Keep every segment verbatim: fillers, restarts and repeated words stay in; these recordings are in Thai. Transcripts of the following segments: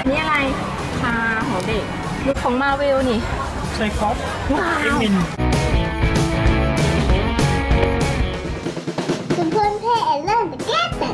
นี่อะไรชาของเด็กลูกของมาเวลนี่ใช่ครับว้าวเอ็มคุณเพื่อนเพ่เล่นแก้แต่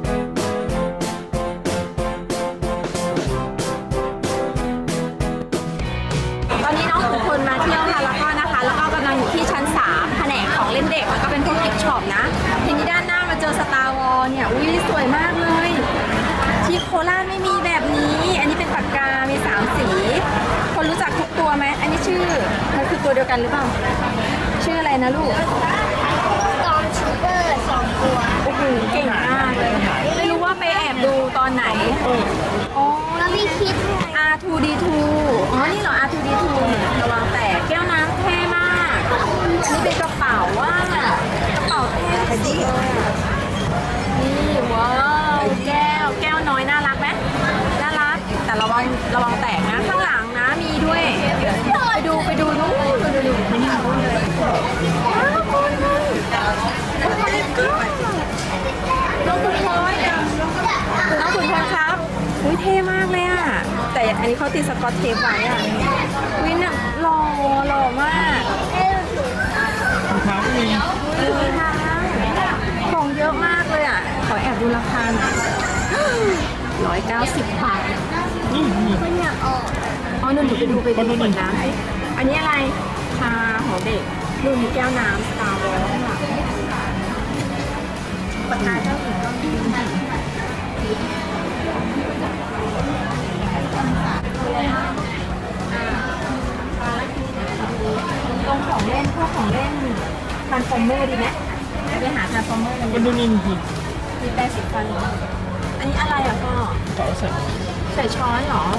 ตอนนี้น้องทุกคนมาเที่ยวค่ะแล้วก็นะคะแล้วก็กำลังอยู่ที่ชั้นสามแผนกของเล่นเด็กแล้วก็เป็นพวกกิฟต์ช็อปนะทีนี้ด้านหน้ามาเจอสตาร์วอลเนี่ยอุ้ยสวยมากเลยที่โคราชไม่มีแบบนี้อันนี้เป็นปากกามีสามสีคนรู้จักทุกตัวไหมอันนี้ชื่อมันคือตัวเดียวกันหรือเปล่าชื่ออะไรนะลูกตอนชูเปอร์สองตัวโอ้โหเก่งมากเลยไม่รู้ว่าไปแอบดูตอนไหนอ๋อแล้วมีคิดอาร์ ทู ดี ทู อ๋อนี่เหรอ อาร์ ทู ดี ทู ระวังแตกแก้วน้ำเท่มากอันนี้เป็นกระเป๋าว่ากระเป๋าเท่สุดเลยนี่ว้าวแก้วแก้วน้อยน่ารักไหมน่ารักแต่ระวังระวังแตกนะข้างหลังนะมีด้วยไปดูไปดูนู้นดูดูดูนี่นู้นเลยว้าวคนเลยโอ้ my god น้องคุณพลอยน้องคุณพลอยครับอุ้ยเท่มากเลยอ่ะแต่อันนี้เขาติดสกอตเทปไว้อ่ะวินอ่ะหล่อหล่อมากรองเท้าก็มีของเยอะมากเลยอ่ะขอแอบดูราคาหน่อยร้อยเก้าสิบบาทนี่นี่อ๋อหนูไปดูไปดูก่อนนะอันนี้อะไรชาของเด็กดูมีแก้วน้ำสตาร์วอลค่ะปากกาเจ้าหญิงก็มีตรงของเล่นพวกของเล่นทรานส์ฟอร์เมอร์ดีไหมไปหาทรานส์ฟอร์เมอร์กันมันดูนิ่มดีมีแปดสิบฟันอันนี้อะไรอ่ะพ่อต่อใส่ใส่ช้อนเหรอ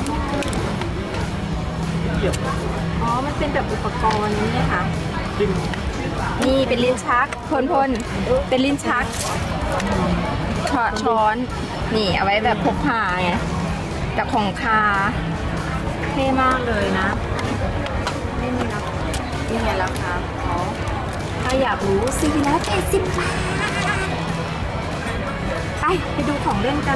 เกี่ยวอ๋อมันเป็นแบบอุปกรณ์นี่ค่ะจริงนี่เป็นลิ้นชักพลพลเป็นลิ้นชักช้อนนี่เอาไว้แบบพกพาไงกับของคาเท่มากเลยนะไม่มีราคานี่ไงราคาเขาถ้าอยากรู้สี่ร้อยแปดสิบบาทไปไปดูของเล่นกัน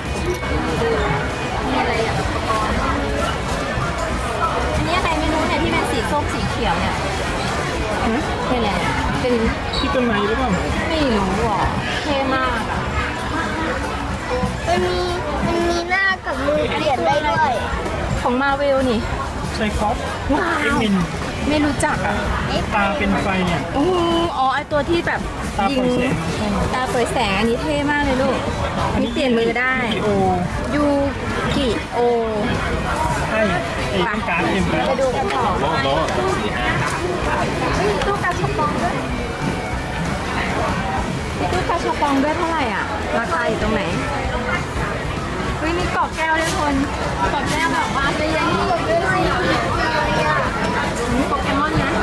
มีอะไรอ่ะอุปกรณ์อันนี้อะไรไม่รู้เนี่ยที่เป็นสีส้มสีเขียวเนี่ยนี่แหละเป็นที่ต้นไม้หรือเปล่าไม่รู้อ่ะเท่มากอ่ะมันมีมันมีหน้ากับมือเปลี่ยนได้ด้วยของมาเวลนี่ใช่ครับว้าวไม่รู้จักอ่ะตาเป็นไฟเนี่ยอ๋อไอตัวที่แบบยิงตาเปิดแสงอันนี้เท่มากเลยลูกอันนี้เปลี่ยนมือได้ยูกิโอใช่ไอ้ต้องการเอ็มไปดูกันต่อมีตู้กาชาปองด้วยมีตู้กาชาปองด้วยเท่าไหร่อ่ะราคาอยู่ตรงไหนเฮ้ยมีกรอบแก้วด้วยคนกรอบแก้วแบบว่าจะยังมีด้วยโปเกมอนนะ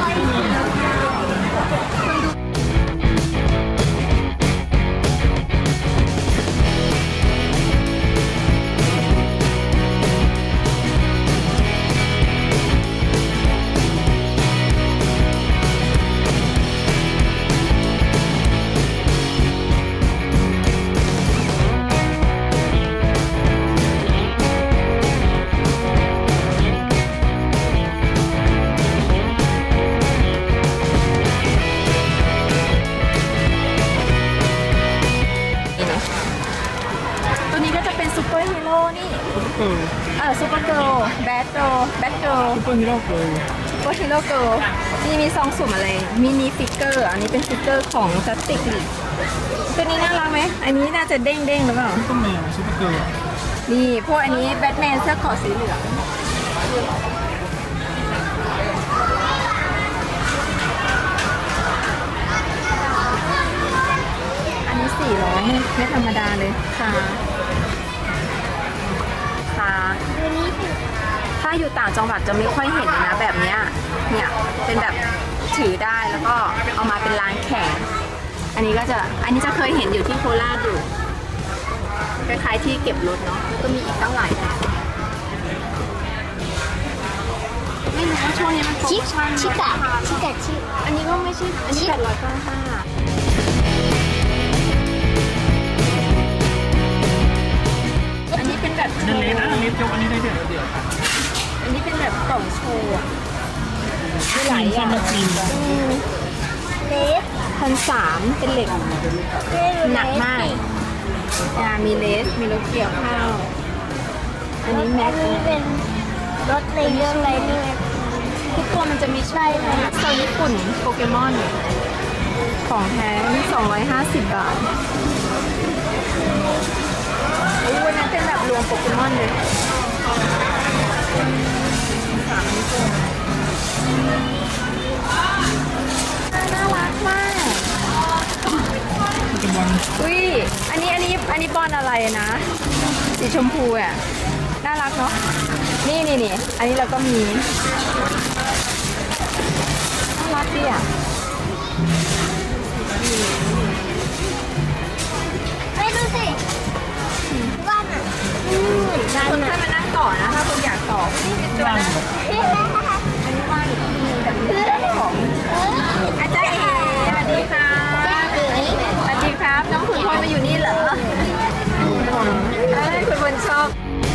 เออซูเปอร์เกิร์ลแบทเกิร์ลแบทเกิร์ลซูเปอร์ฮีโร่เกิร์ลซูเปอร์ฮีโร่เกิร์ลนี่มีซองสุ่มอะไรมินิฟิกเกอร์อันนี้เป็นฟิกเกอร์ของจัสติกลีตัวนี้น่ารักไหมอันนี้น่าจะเด้งเด้งหรือเปล่าซูเปอร์แมนซูเปอร์เกิร์ลนี่พวกอันนี้แบทแมนเสื้อเกราะสีเหลืองอันนี้สี่ร้อยไม่ธรรมดาเลยค่ะถ้าอยู่ต่างจังหวัดจะไม่ค่อยเห็นนะแบบนี้เนี่ยเป็นแบบถือได้แล้วก็เอามาเป็นร้านแข่งอันนี้ก็จะอันนี้จะเคยเห็นอยู่ที่โคราชอยู่คล้ายๆที่เก็บรถเนาะก็มีอีกตั้งหลายแบบไม่รู้ว่าช่วงนี้มันโปรโมชั่นชิกะชิกะชิอันนี้ก็ไม่ใช่อันนี้แปดร้อยเก้าสิบห้าอันนี้เป็นแบบอันนี้นะอันนี้สยกอันนี้ได้ด้วยอันนี้เป็นแบบกล่องโชว์อะมีหลายอย่างใช่ไหมครีมเลสพันสามเป็นเหล็กหนักมากอ่ามีเลสมีรถเกี่ยวข้าวอันนี้แม็กอันนี้เป็นรถในเรื่องอะไรเนี่ยทุกตัวมันจะมีชื่อนะโซนญี่ปุ่นโปเกมอนของแท้นี่สองร้อยห้าสิบบาทอู้วันนั้นเป็นแบบรวมโปเกมอนเลยสามนิ้วน่ารักมากจะวางอุ้ยอันนี้อันนี้อันนี้บอลอะไรนะสีชมพูอ่ะน่ารักเนาะนี่นี่นี่อันนี้เราก็มีน่ารักดีอ่ะไม่ดูสิบ้านอ่ะอืมบ้านคุณอ่ะค่อยมานั่งต่อนะถ้าคุณอยากต่อนี่เป็นตัววางนะอันนี้ว่างอีกทีนึงแต่ไม่ได้ของอาจารย์เอ๋สวัสดีค่ะสวัสดีครับน้องคุณพลมาอยู่นี่เหรอเอ้ยคุณพลชอบ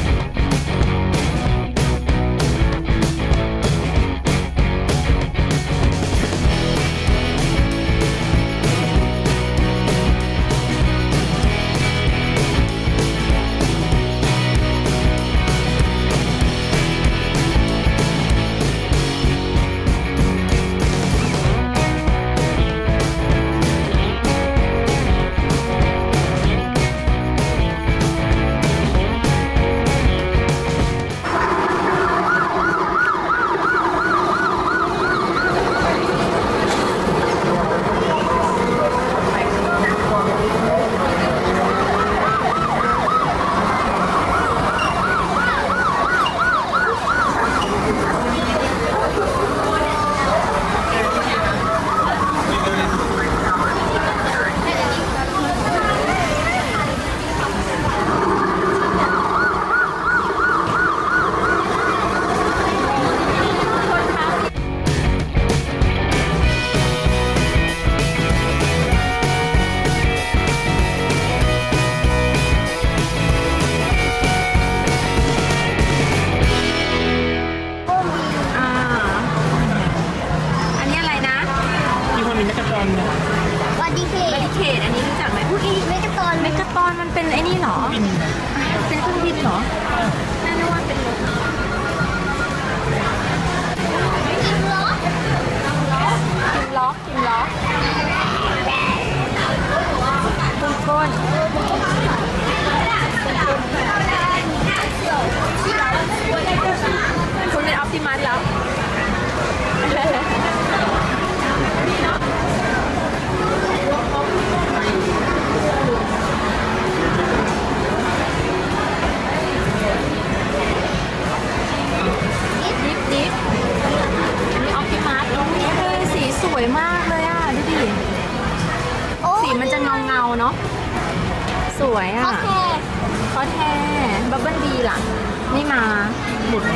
อ่าอันนี้อะไรนะที่ห้อนี้แมกกาตอนเนี่ยวันดีเคเมดิเคทอันนี้รู้จักไหมอุ้ยเมกะตอนเมกาตอนมันเป็นไอ้นี่เหรอบินเป็นเครื่องบินเหรอน่าจะว่าเป็นรถกินล้อกิมล็อกกิมล็อกคุณก้นคุณเป็นออปติมัสแล้วดิฟดิฟอันนี้ออปติมัสเฮ้ยสีสวยมากเลยอ่ะดูดิโอ้สีมันจะเงาเงาๆเนาะสวยโออ่ะเคคอแท้บับเบิ้ลบีล่ะไม่มาหมุด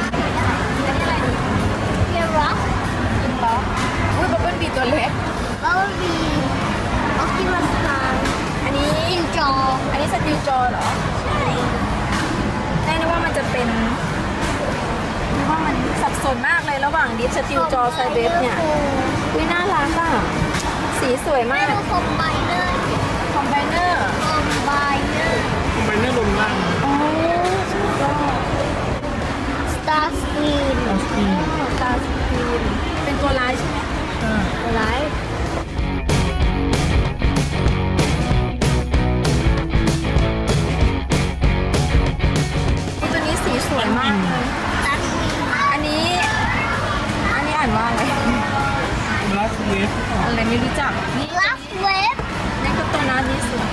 เรียรักอุ้ยบับเบิ้ลบีตัวเล็กแล้วมีออคิมัสตาร์อันนี้อินจออันนี้สติลจอเหรอแน่นึกว่ามันจะเป็นนึกว่ามันสับสนมากเลยระหว่างดิสสติลจอไซเบฟเนี่ยอุ้ยน่ารักอ่ะสีสวยไม่มากดูคอมไบเนอร์คอมไบเนอร์คอมไบเนอร์ไปเนื้อลมล่างโอ้สุดยอดสตาร์สกรีนเอาสกีตาสกรีนเป็นตัวร้ายใช่ไหมอ่าตัวร้ายตัวนี้สีสวยมากเลยสตาร์สกรีนอันนี้ อันนี้อ่านว่าอะไรบลัสเวฟอะไรไม่รู้จัก นี่ลาฟเวฟนี่ก็ตัวนั้นนี่สวย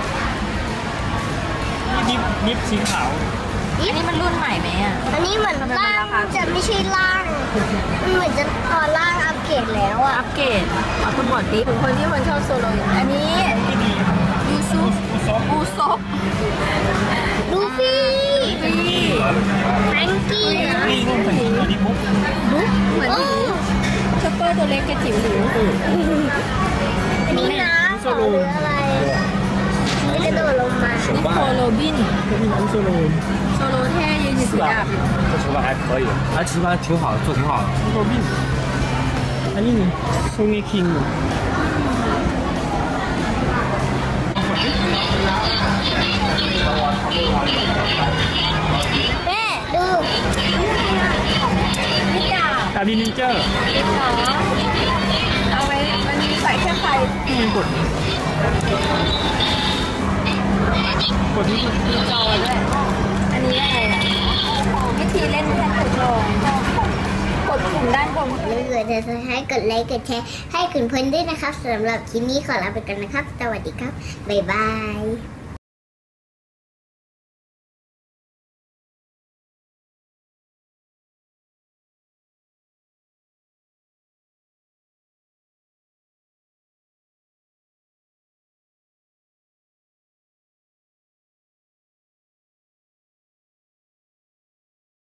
นี่ดิฟดิฟสีขาวอันนี้มันรุ่นใหม่ไหมอ่ะอันนี้เหมือนร่างจะไม่ใช่ร่างมันเหมือนจะพอร่างอัปเกรดแล้วอ่ะอัปเกรดเอาคุณบอกดิคุณคนที่คนชอบโซโลอยู่อันนี้ที่ดียูซุอุซอฟอูซบลูฟี่ฟี่แฟรงกี้นะนี่ร่วมใส่ตัวนี้บุ๊กบุ๊กเหมือนโอ้หนูช็อปเปอร์ตัวเล็กกระจิ๋วหลิวอันนี้น้ำเหรอหรืออะไรไม่ได้โดดลงมาโซนี่โคโรบิน这是蓝色的โซโลเท่ยืนอยู่ถือดาบอยู่这手法还可以，他吃饭挺好的，做挺好的。 โรบินอันนี้นี่ซูเงคิงแม่ดูนี่ดาบดาบินิเจอร์ติดเหรอเอาไว้มันมีใส่แค่ไฟนี่กดกดที่มีจอด้วยอันนี้อะไรอ่ะวิธีเล่นแค่กดลงกดปุ่มด้านบนอย่าลืมกดติดตามให้กดไลค์กดแชร์ให้คุณเพื่อนด้วยนะครับสำหรับคลิปนี้ขอลาไปก่อนนะครับ สวัสดีครับ บ๊ายบาย